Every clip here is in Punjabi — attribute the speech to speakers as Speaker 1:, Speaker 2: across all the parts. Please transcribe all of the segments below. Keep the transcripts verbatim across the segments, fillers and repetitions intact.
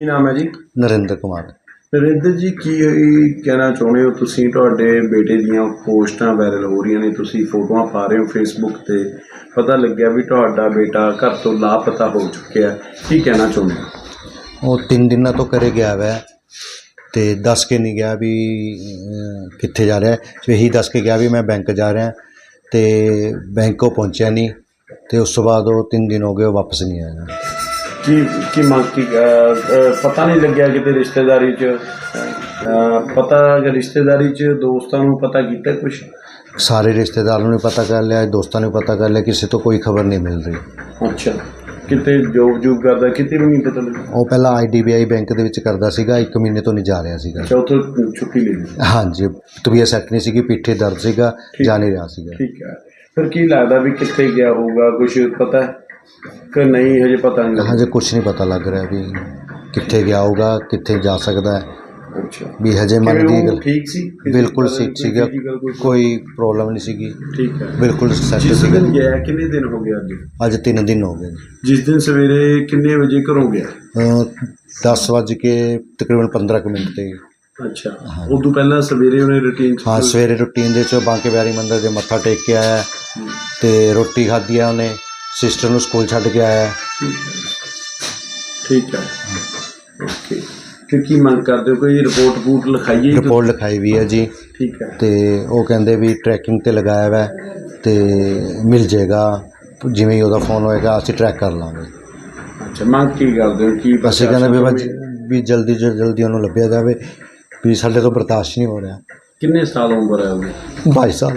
Speaker 1: ਕੀ ਨਾਮ ਹੈ ਜੀ?
Speaker 2: ਨਰਿੰਦਰ ਕੁਮਾਰ।
Speaker 1: ਨਰਿੰਦਰ ਜੀ, ਕੀ ਕਹਿਣਾ ਚਾਹੁੰਦੇ ਹੋ ਤੁਸੀਂ? ਤੁਹਾਡੇ ਬੇਟੇ ਦੀਆਂ ਪੋਸਟਾਂ ਵਾਇਰਲ ਹੋ ਰਹੀਆਂ ਨੇ, ਤੁਸੀਂ ਫੋਟੋਆਂ ਪਾ ਰਹੇ ਹੋ ਫੇਸਬੁੱਕ 'ਤੇ, ਪਤਾ ਲੱਗਿਆ ਵੀ ਤੁਹਾਡਾ ਬੇਟਾ ਘਰ ਤੋਂ ਲਾਪਤਾ ਹੋ ਚੁੱਕਿਆ, ਕੀ ਕਹਿਣਾ ਚਾਹੁੰਦੇ ਹੋ?
Speaker 2: ਉਹ ਤਿੰਨ ਦਿਨਾਂ ਤੋਂ ਘਰੇ ਗਿਆ ਵੈ ਅਤੇ ਦੱਸ ਕੇ ਨਹੀਂ ਗਿਆ ਵੀ ਅ, ਕਿੱਥੇ ਜਾ ਰਿਹਾ। ਇਹੀ ਦੱਸ ਕੇ ਗਿਆ ਵੀ ਮੈਂ ਬੈਂਕ ਜਾ ਰਿਹਾ, ਅਤੇ ਬੈਂਕ ਉਹ ਪਹੁੰਚਿਆ ਨਹੀਂ, ਅਤੇ ਉਸ ਤੋਂ ਬਾਅਦ ਉਹ ਤਿੰਨ ਦਿਨ ਹੋ ਗਏ, ਉਹ ਵਾਪਸ ਨਹੀਂ ਆਇਆ।
Speaker 1: ਕੀ ਕੀ ਮੰਗ ਕੀ ਪਤਾ ਨਹੀਂ ਲੱਗਿਆ ਕਿਤੇ ਰਿਸ਼ਤੇਦਾਰੀ 'ਚ ਅਹ, ਪਤਾ ਰਿਸ਼ਤੇਦਾਰੀ 'ਚ ਦੋਸਤਾਂ ਨੂੰ ਪਤਾ ਕੀਤਾ ਕੁਛ?
Speaker 2: ਸਾਰੇ ਰਿਸ਼ਤੇਦਾਰਾਂ ਨੂੰ ਪਤਾ ਕਰ ਲਿਆ, ਦੋਸਤਾਂ ਨੂੰ ਪਤਾ ਕਰ ਲਿਆ, ਕਿਸੇ ਤੋਂ ਕੋਈ ਖਬਰ ਨਹੀਂ ਮਿਲ ਰਹੀ।
Speaker 1: ਅੱਛਾ, ਕਿਤੇ ਜੋਬ ਜੂਬ ਕਰਦਾ, ਕਿਤੇ ਵੀ ਨਹੀਂ ਪਤਾ ਲੱਗਿਆ?
Speaker 2: ਉਹ ਪਹਿਲਾਂ I D B I bank ਦੇ ਵਿੱਚ ਕਰਦਾ ਸੀਗਾ, ਇੱਕ ਮਹੀਨੇ ਤੋਂ ਨਹੀਂ ਜਾ ਰਿਹਾ ਸੀਗਾ।
Speaker 1: ਅੱਛਾ, ਉੱਥੋਂ ਛੁੱਟੀ ਲੈ ਲਈ?
Speaker 2: ਹਾਂਜੀ, ਤਬੀਅਤ ਸੈੱਟ ਨਹੀਂ ਸੀਗੀ, ਪਿੱਠੇ ਦਰਦ ਸੀਗਾ, ਜਾ ਨਹੀਂ ਰਿਹਾ ਸੀਗਾ।
Speaker 1: ਠੀਕ ਹੈ, ਫਿਰ ਕੀ ਲੱਗਦਾ ਵੀ ਕਿੱਥੇ ਗਿਆ ਹੋਊਗਾ? ਕੁਛ ਪਤਾ ਕਿ ਨਹੀਂ ਹਜੇ ਪਤਾ ਨਹੀਂ?
Speaker 2: ਹਜੇ ਕੁਛ ਨਹੀਂ ਪਤਾ ਲੱਗ ਰਿਹਾ ਵੀ ਕਿੱਥੇ ਗਿਆ ਹੋਊਗਾ, ਕਿੱਥੇ ਜਾ ਸਕਦਾ ਹੈ।
Speaker 1: ਅੱਛਾ,
Speaker 2: ਵੀ ਹਜੇ ਮਨ ਦੀ ਗੱਲ
Speaker 1: ਠੀਕ ਸੀ?
Speaker 2: ਬਿਲਕੁਲ ਠੀਕ ਸੀਗਾ, ਕੋਈ ਪ੍ਰੋਬਲਮ ਨਹੀਂ ਸੀਗੀ।
Speaker 1: ਠੀਕ ਹੈ,
Speaker 2: ਬਿਲਕੁਲ ਸੈੱਟ
Speaker 1: ਜਿਸ
Speaker 2: ਸੀਗਾ।
Speaker 1: ਦਿਨ ਗਿਆ ਕਿੰਨੇ ਦਿਨ ਹੋ ਗਏ? ਅੱਜ
Speaker 2: ਅੱਜ ਤਿੰਨ ਦਿਨ ਹੋ ਗਏ।
Speaker 1: ਜਿਸ ਦਿਨ ਸਵੇਰੇ ਕਿੰਨੇ ਵਜੇ ਘਰੋਂ ਗਿਆ?
Speaker 2: ਦਸ ਵੱਜ ਕੇ ਤਕਰੀਬਨ ਪੰਦਰਾਂ ਕੁ ਮਿੰਟ 'ਤੇ।
Speaker 1: ਅੱਛਾ, ਉਦੋਂ ਪਹਿਲਾਂ ਸਵੇਰੇ ਉਹਨੇ ਰੂਟੀਨ? ਹਾਂ,
Speaker 2: ਸਵੇਰੇ ਰੂਟੀਨ ਦੇ 'ਚੋਂ ਬਾਂਕੇ ਬਿਹਾਰੀ ਮੰਦਿਰ ਦੇ ਮੱਥਾ ਟੇਕ ਕੇ ਆਇਆ ਅਤੇ ਰੋਟੀ ਖਾਧੀ ਆ ਉਹਨੇ, ਸਿਸਟਰ ਨੂੰ ਸਕੂਲ ਛੱਡ ਕੇ ਆਇਆ।
Speaker 1: ਠੀਕ ਹੈ, ਓਕੇ। ਤੇ ਕੀ ਮੰਗ ਕਰਦੇ ਹੋ? ਕੋਈ ਰਿਪੋਰਟ ਰਪੂਟ ਲਿਖਾਈਏ?
Speaker 2: ਰਿਪੋਰਟ ਲਿਖਾਈ ਵੀ ਹੈ ਜੀ।
Speaker 1: ਠੀਕ ਹੈ,
Speaker 2: ਅਤੇ ਉਹ ਕਹਿੰਦੇ ਵੀ ਟਰੈਕਿੰਗ 'ਤੇ ਲਗਾਇਆ ਵਾ ਅਤੇ ਮਿਲ ਜਾਏਗਾ, ਜਿਵੇਂ ਹੀ ਉਹਦਾ ਫੋਨ ਹੋਏਗਾ ਅਸੀਂ ਟਰੈਕ ਕਰ ਲਾਂਗੇ।
Speaker 1: ਅੱਛਾ, ਮੰਗ ਕੀ ਕਰਦੇ ਹੋ? ਕੀ
Speaker 2: ਅਸੀਂ ਕਹਿੰਦੇ ਵੀ ਬਸ ਵੀ ਜਲਦੀ ਤੋਂ ਜਲਦੀ ਉਹਨੂੰ ਲੱਭਿਆ ਜਾਵੇ, ਵੀ ਸਾਡੇ ਤੋਂ ਬਰਦਾਸ਼ਤ ਨਹੀਂ ਹੋ ਰਿਹਾ।
Speaker 1: ਕਿੰਨੇ ਸਾਲ ਉਮਰ ਹੈ ਉਹਦੀ?
Speaker 2: ਬਾਈ ਸਾਲ।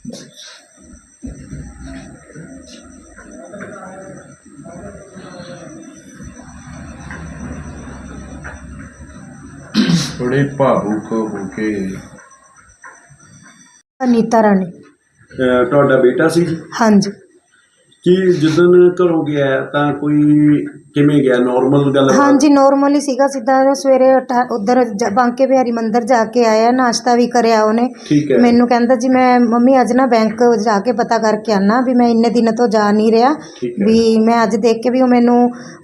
Speaker 1: ਥੋੜੇ ਭਾਵੁਕ ਹੋ ਕੇ।
Speaker 3: ਅਨੀਤਾ ਰਾਣੀ।
Speaker 1: ਅਹ, ਤੁਹਾਡਾ ਬੇਟਾ ਸੀ?
Speaker 3: ਹਾਂਜੀ।
Speaker 1: ਕੀ ਜਿੱਦਣ ਘਰੋਂ ਗਿਆ ਤਾਂ ਕੋਈ ਕਿਵੇਂ ਗਿਆ? ਨੋਰਮਲ ਗੱਲ?
Speaker 3: ਹਾਂਜੀ, ਨੋਰਮਲ ਹੀ ਸੀਗਾ। ਸਿੱਧਾ ਸਵੇਰੇ ਉੱਧਰ ਬਾਂਕੇ ਬਿਹਾਰੀ ਮੰਦਿਰ ਜਾ ਕੇ ਆਇਆ, ਨਾਸ਼ਤਾ ਵੀ ਕਰਿਆ ਉਹਨੇ।
Speaker 1: ਠੀਕ ਹੈ।
Speaker 3: ਮੈਨੂੰ ਕਹਿੰਦਾ ਜੀ ਮੈਂ ਮੰਮੀ ਅੱਜ ਨਾ ਬੈਂਕ ਜਾ ਕੇ ਪਤਾ ਕਰਕੇ ਆਉਣਾ, ਵੀ ਮੈਂ ਇੰਨੇ ਦਿਨ ਤੋਂ ਜਾ ਨਹੀਂ ਰਿਹਾ, ਵੀ ਮੈਂ ਅੱਜ ਦੇਖ ਕੇ ਵੀ ਉਹ ਮੈਨੂੰ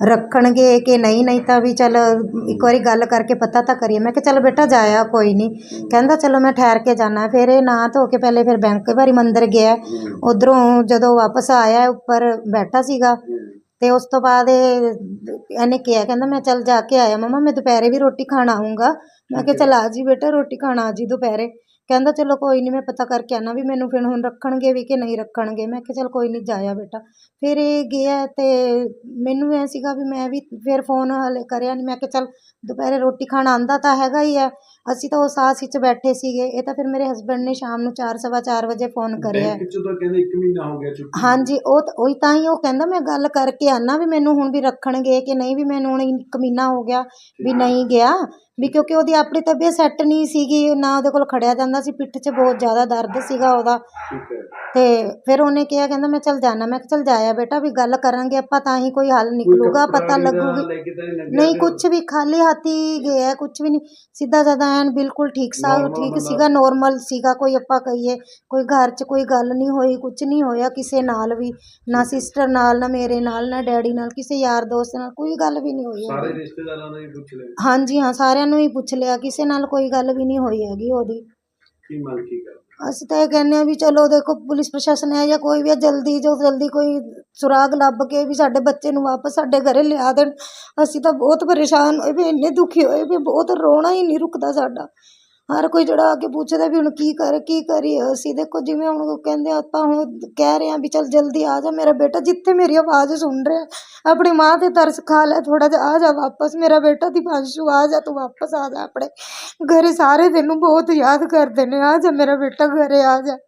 Speaker 3: ਰੱਖਣਗੇ ਕਿ ਨਹੀਂ, ਨਹੀਂ ਤਾਂ ਵੀ ਚੱਲ ਇੱਕ ਵਾਰੀ ਗੱਲ ਕਰਕੇ ਪਤਾ ਤਾਂ ਕਰੀਏ। ਮੈਂ ਕਿਹਾ ਚੱਲ ਬੇਟਾ ਜਾਇਆ ਕੋਈ ਨਹੀਂ। ਕਹਿੰਦਾ ਚਲੋ ਮੈਂ ਠਹਿਰ ਕੇ ਜਾਣਾ। ਫਿਰ ਇਹ ਨਹਾ ਧੋ ਕੇ ਪਹਿਲੇ ਫਿਰ ਬੈਂਕ ਬਿਹਾਰੀ ਮੰਦਿਰ ਗਿਆ, ਉੱਧਰੋਂ ਜਦੋਂ ਵਾਪਸ ਆਇਆ ਉੱਪਰ ਬੈਠਾ ਸੀਗਾ, ਅਤੇ ਉਸ ਤੋਂ ਬਾਅਦ ਇਹ ਇਹਨੇ ਕਿਹਾ, ਕਹਿੰਦਾ ਮੈਂ ਚੱਲ ਜਾ ਕੇ ਆਇਆ ਮੰਮਾ, ਮੈਂ ਦੁਪਹਿਰੇ ਵੀ ਰੋਟੀ ਖਾਣ ਆਊਂਗਾ। ਮੈਂ ਕਿਹਾ ਚੱਲ ਆ ਜੀ ਬੇਟਾ, ਰੋਟੀ ਖਾਣ ਆ ਜੀ ਦੁਪਹਿਰੇ। ਕਹਿੰਦਾ ਚਲੋ ਕੋਈ ਨਹੀਂ, ਮੈਂ ਪਤਾ ਕਰਕੇ ਆਉਣਾ ਵੀ ਮੈਨੂੰ ਫਿਰ ਹੁਣ ਰੱਖਣਗੇ ਵੀ ਕਿ ਨਹੀਂ ਰੱਖਣਗੇ। ਮੈਂ ਕਿਹਾ ਚੱਲ ਕੋਈ ਨਹੀਂ, ਜਾਇਆ ਬੇਟਾ। ਫਿਰ ਇਹ ਗਿਆ ਅਤੇ ਮੈਨੂੰ ਐਂ ਸੀਗਾ ਵੀ ਮੈਂ ਵੀ ਫਿਰ ਫੋਨ ਹਾਲੇ ਕਰਿਆ ਨਹੀਂ। ਮੈਂ ਕਿਹਾ ਚੱਲ ਦੁਪਹਿਰੇ ਰੋਟੀ ਖਾਣ ਆਉਂਦਾ ਤਾਂ ਹੈਗਾ ਹੀ ਹੈ। ਅਸੀਂ ਤਾਂ ਉਸ ਆਸ ਵਿੱਚ ਬੈਠੇ ਸੀਗੇ। ਇਹ ਤਾਂ ਫਿਰ ਮੇਰੇ ਹਸਬੈਂਡ ਨੇ ਸ਼ਾਮ ਨੂੰ ਚਾਰ ਸਵਾ ਚਾਰ ਵਜੇ ਫੋਨ ਕਰਿਆ।
Speaker 1: ਕਹਿੰਦੇ ਇੱਕ ਮਹੀਨਾ ਹੋ ਗਿਆ ਛੁੱਟੀ?
Speaker 3: ਹਾਂਜੀ, ਉਹ ਉਹੀ ਤਾਂ ਹੀ ਉਹ ਕਹਿੰਦਾ ਮੈਂ ਗੱਲ ਕਰਕੇ ਆਉਣਾ ਵੀ ਮੈਨੂੰ ਹੁਣ ਵੀ ਰੱਖਣਗੇ ਕਿ ਨਹੀਂ, ਵੀ ਮੈਨੂੰ ਹੁਣ ਇੱਕ ਮਹੀਨਾ ਹੋ ਗਿਆ ਵੀ ਨਹੀਂ ਗਿਆ, ਵੀ ਕਿਉਂਕਿ ਉਹਦੀ ਆਪਣੀ ਤਬੀਅਤ ਸੈੱਟ ਨਹੀਂ ਸੀਗੀ, ਨਾ ਉਹਦੇ ਕੋਲ ਖੜਿਆ ਜਾਂਦਾ ਸੀ, ਪਿੱਠ 'ਚ ਬਹੁਤ ਜ਼ਿਆਦਾ ਦਰਦ ਸੀਗਾ ਉਹਦਾ। ਅਤੇ ਫਿਰ ਉਹਨੇ ਕਿਹਾ, ਕਹਿੰਦਾ ਮੈਂ ਚੱਲ ਜਾਣਾ। ਮੈਂ ਕਿਹਾ ਚੱਲ ਜਾਇਆ ਬੇਟਾ, ਵੀ ਗੱਲ ਕਰਾਂਗੇ ਆਪਾਂ ਤਾਂ ਹੀ ਕੋਈ ਹੱਲ ਨਿਕਲੂਗਾ, ਪਤਾ ਲੱਗੂਗੀ। ਨਹੀਂ, ਕੁਛ ਵੀ ਖਾਲੀ ਹੱਥ ਹੀ ਗਿਆ, ਕੁਛ ਵੀ ਨਹੀਂ, ਸਿੱਧਾ ਸਾਦਾ ਐਨ ਬਿਲਕੁਲ ਠੀਕ ਸਾ ਠੀਕ ਸੀਗਾ, ਨੋਰਮਲ ਸੀਗਾ। ਕੋਈ ਆਪਾਂ ਕਹੀਏ ਕੋਈ ਘਰ 'ਚ ਕੋਈ ਗੱਲ ਨਹੀਂ ਹੋਈ, ਕੁਛ ਨਹੀਂ ਹੋਇਆ ਕਿਸੇ ਨਾਲ ਵੀ, ਨਾ ਸਿਸਟਰ ਨਾਲ, ਨਾ ਮੇਰੇ ਨਾਲ, ਨਾ ਡੈਡੀ ਨਾਲ, ਕਿਸੇ ਯਾਰ ਦੋਸਤ ਨਾਲ ਕੋਈ ਗੱਲ ਵੀ ਨਹੀਂ ਹੋਈ।
Speaker 1: ਸਾਰੇ ਰਿਸ਼ਤੇਦਾਰਾਂ ਨੂੰ ਹੀ ਪੁੱਛ ਲਿਆ? ਹਾਂਜੀ
Speaker 3: ਹਾਂ, ਸਾਰਿਆਂ ਨੂੰ ਹੀ ਪੁੱਛ ਲਿਆ, ਕਿਸੇ ਨਾਲ ਕੋਈ ਗੱਲ ਵੀ ਨਹੀਂ ਹੋਈ ਹੈਗੀ ਉਹਦੀ।
Speaker 1: ਕੀ ਮੰਗ ਕੀ ਕਰਦੇ?
Speaker 3: ਅਸੀਂ ਤਾਂ ਇਹ ਕਹਿੰਦੇ ਹਾਂ ਵੀ ਚਲੋ ਦੇਖੋ, ਪੁਲਿਸ ਪ੍ਰਸ਼ਾਸਨ ਹੈ ਜਾਂ ਕੋਈ ਵੀ ਹੈ, ਜਲਦੀ ਜੋ ਜਲਦੀ ਕੋਈ ਸੁਰਾਗ ਲੱਭ ਕੇ ਵੀ ਸਾਡੇ ਬੱਚੇ ਨੂੰ ਵਾਪਸ ਸਾਡੇ ਘਰੇ ਲਿਆ ਦੇਣ। ਅਸੀਂ ਤਾਂ ਬਹੁਤ ਪਰੇਸ਼ਾਨ ਹੋਏ ਵੀ, ਇੰਨੇ ਦੁਖੀ ਹੋਏ ਵੀ, ਬਹੁਤ ਰੋਣਾ ਹੀ ਨਹੀਂ ਰੁਕਦਾ ਸਾਡਾ। ਹਰ ਕੋਈ ਜਿਹੜਾ ਆ ਕੇ ਪੁੱਛਦਾ ਵੀ ਹੁਣ ਕੀ ਕਰੇ, ਕੀ ਕਰੀਏ ਅਸੀਂ। ਦੇਖੋ ਜਿਵੇਂ ਹੁਣ ਕਹਿੰਦੇ ਆਪਾਂ ਹੁਣ ਕਹਿ ਰਹੇ ਹਾਂ ਵੀ ਚੱਲ ਜਲਦੀ ਆ ਜਾ ਮੇਰਾ ਬੇਟਾ, ਜਿੱਥੇ ਮੇਰੀ ਆਵਾਜ਼ ਸੁਣ ਰਿਹਾ, ਆਪਣੀ ਮਾਂ 'ਤੇ ਤਰਸ ਖਾ ਲੈ ਥੋੜ੍ਹਾ ਜਿਹਾ, ਆ ਜਾ ਵਾਪਸ ਮੇਰਾ ਬੇਟਾ ਦੀਪਾਂਸ਼ੂ, ਆ ਜਾ ਤੂੰ ਵਾਪਸ ਆ ਜਾ ਆਪਣੇ ਘਰੇ, ਸਾਰੇ ਤੈਨੂੰ ਬਹੁਤ ਯਾਦ ਕਰਦੇ ਨੇ, ਆ ਜਾ ਮੇਰਾ ਬੇਟਾ ਘਰੇ ਆ ਜਾ।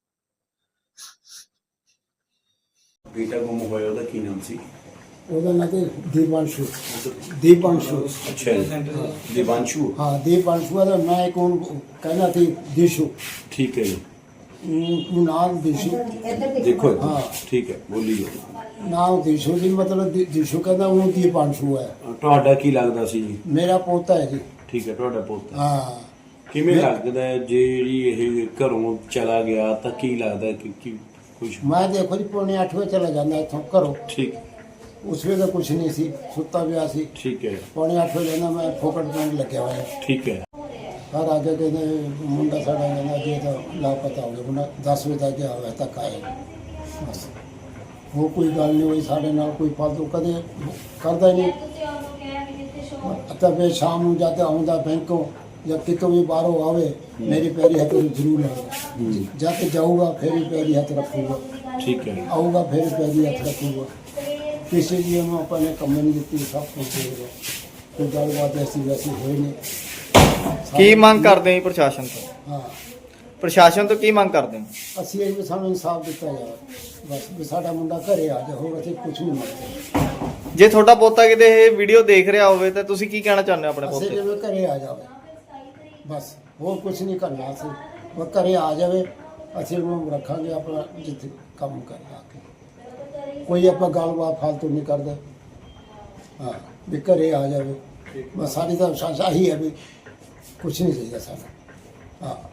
Speaker 1: ਬੇਟਾ ਗੁੰਮ ਹੋਇਆ, ਉਹਦਾ ਕੀ ਨਾਮ ਸੀ?
Speaker 4: ਉਹਦਾ ਨਾਂ ਤੇ ਦੀਪਾਂਸ਼ੂ। ਦੀਪਾਂਸ਼ੂ।
Speaker 1: ਅੱਛਾ, ਦੀਪਾਂਸ਼ੂ।
Speaker 4: ਹਾਂ, ਦੀਪਾਂਸ਼ੂ ਦਾ ਮੈਂ ਕੌਣ ਕਹਿੰਦਾ ਸੀ? ਦੀਸ਼ੂ।
Speaker 1: ਠੀਕ ਹੈ ਜੀ।
Speaker 4: ਉਹ ਨਾਮ ਦੀਸ਼ੂ।
Speaker 1: ਦੇਖੋ
Speaker 4: ਹਾਂ,
Speaker 1: ਠੀਕ ਹੈ, ਬੋਲੀਏ।
Speaker 4: ਨਾਮ ਦੀਸ਼ੂ ਜੀ, ਮਤਲਬ ਦੀਸ਼ੂ ਕਹਿੰਦਾ ਉਹਨੂੰ ਦੀਪਾਂਸ਼ੂ ਹੈ।
Speaker 1: ਤੁਹਾਡਾ ਕੀ ਲੱਗਦਾ ਸੀ ਜੀ?
Speaker 4: ਮੇਰਾ ਪੋਤਾ ਹੈ ਜੀ।
Speaker 1: ਠੀਕ ਹੈ, ਤੁਹਾਡਾ ਪੋਤਾ।
Speaker 4: ਹਾਂ।
Speaker 1: ਕਿਵੇਂ ਲੱਗਦਾ ਹੈ ਜਿਹੜੀ ਇਹ ਘਰੋਂ ਚਲਾ ਗਿਆ ਤਾਂ ਕੀ ਲੱਗਦਾ ਕਿ ਕੀ ਕੁਛ?
Speaker 4: ਮੈਂ ਦੇਖੋ ਜੀ ਪੌਣੇ ਅੱਠ ਵਜੇ ਚਲਾ ਜਾਂਦਾ ਇੱਥੋਂ ਘਰੋਂ।
Speaker 1: ਠੀਕ।
Speaker 4: ਉਸ ਵੇਲੇ ਕੁਝ ਨਹੀਂ ਸੀ, ਸੁੱਤਾ ਪਿਆ ਸੀ।
Speaker 1: ਠੀਕ ਹੈ
Speaker 4: ਪੌਣੇ ਅੱਠ ਵਜੇ ਕਹਿੰਦਾ ਮੈਂ ਫੋਕਟ ਪਿੰਡ ਲੱਗਿਆ ਹੋਇਆ।
Speaker 1: ਠੀਕ ਹੈ
Speaker 4: ਘਰ ਆ ਕੇ ਕਹਿੰਦੇ ਮੁੰਡਾ ਸਾਡਾ ਕਹਿੰਦਾ ਜੀ ਇਹ ਤਾਂ ਲਾਪਤਾ ਹੋ ਗਿਆ। ਮੁੰਡਾ ਦਸ ਵਜੇ ਤੱਕ ਗਿਆ ਹੋਇਆ ਤੱਕ ਆਇਆ ਬਸ। ਉਹ ਕੋਈ ਗੱਲ ਨਹੀਂ ਹੋਈ ਸਾਡੇ ਨਾਲ, ਕੋਈ ਫਾਲਤੂ ਕਦੇ ਕਰਦਾ ਹੀ ਨਹੀਂ। ਤਾਂ ਫਿਰ ਸ਼ਾਮ ਨੂੰ ਜਦ ਆਉਂਦਾ ਬੈਂਕੋਂ ਜਾਂ ਕਿਤੋਂ ਵੀ ਬਾਹਰੋਂ ਆਵੇ ਮੇਰੀ ਪੈਰੀ ਹੱਥ ਜ਼ਰੂਰ ਲਾਉਂਦਾ। ਜਦ ਜਾਊਗਾ ਫਿਰ ਵੀ ਪੈਰੀ ਹੱਥ ਰੱਖੂਗਾ,
Speaker 1: ਠੀਕ ਹੈ
Speaker 4: ਆਊਗਾ ਫਿਰ ਪੈਰੀ ਹੱਥ ਰੱਖੂਗਾ। ਕਿਸੇ ਜੀ ਨੂੰ ਆਪਾਂ ਨੇ ਕੰਮ ਨਹੀਂ ਦਿੱਤੀ, ਸਭ ਕੁਝ ਦੇ ਰਿਹਾ। ਕੋਈ ਗੱਲਬਾਤ ਐਸੀ ਵੈਸੀ ਹੋਈ ਨਹੀਂ।
Speaker 5: ਕੀ ਮੰਗ ਕਰਦੇ ਹੋ ਪ੍ਰਸ਼ਾਸਨ ਤੋਂ?
Speaker 4: ਹਾਂ,
Speaker 5: ਪ੍ਰਸ਼ਾਸਨ ਤੋਂ ਕੀ ਮੰਗ ਕਰਦੇ ਹੋ?
Speaker 4: ਅਸੀਂ ਇਹ ਵੀ ਸਾਨੂੰ ਇਨਸਾਫ ਦਿੱਤਾ ਜਾਵੇ ਬਸ, ਵੀ ਸਾਡਾ ਮੁੰਡਾ ਘਰੇ ਆ ਜਾ, ਹੋਰ ਅਸੀਂ ਕੁਝ ਨਹੀਂ ਮੰਗਦੇ।
Speaker 5: ਜੇ ਤੁਹਾਡਾ ਪੋਤਾ ਕਿਤੇ ਇਹ ਵੀਡੀਓ ਦੇਖ ਰਿਹਾ ਹੋਵੇ ਤਾਂ ਤੁਸੀਂ ਕੀ ਕਹਿਣਾ ਚਾਹੁੰਦੇ ਹੋ ਆਪਣੇ
Speaker 4: ਅਸੀਂ
Speaker 5: ਪੋਤੇ?
Speaker 4: ਜਿਵੇਂ ਘਰੇ ਆ ਜਾਵੇ ਬਸ, ਹੋਰ ਕੁਝ ਨਹੀਂ ਕਰਨਾ। ਅਸੀਂ ਉਹ ਘਰੇ ਆ ਜਾਵੇ, ਅਸੀਂ ਉਹਨੂੰ ਰੱਖਾਂਗੇ ਆਪਣਾ ਜਿੱਥੇ ਕੰਮ ਕਰਦਾ ਕੇ। ਕੋਈ ਆਪਾਂ ਗੱਲਬਾਤ ਫਾਲਤੂ ਨਹੀਂ ਕਰਦੇ। ਹਾਂ, ਵੀ ਘਰੇ ਆ ਜਾਵੇ ਬਸ। ਸਾਡੀ ਤਾਂ ਆਹੀ ਹੈ ਵੀ ਕੁਝ ਨਹੀਂ ਚਾਹੀਦਾ ਸਾਨੂੰ। ਹਾਂ।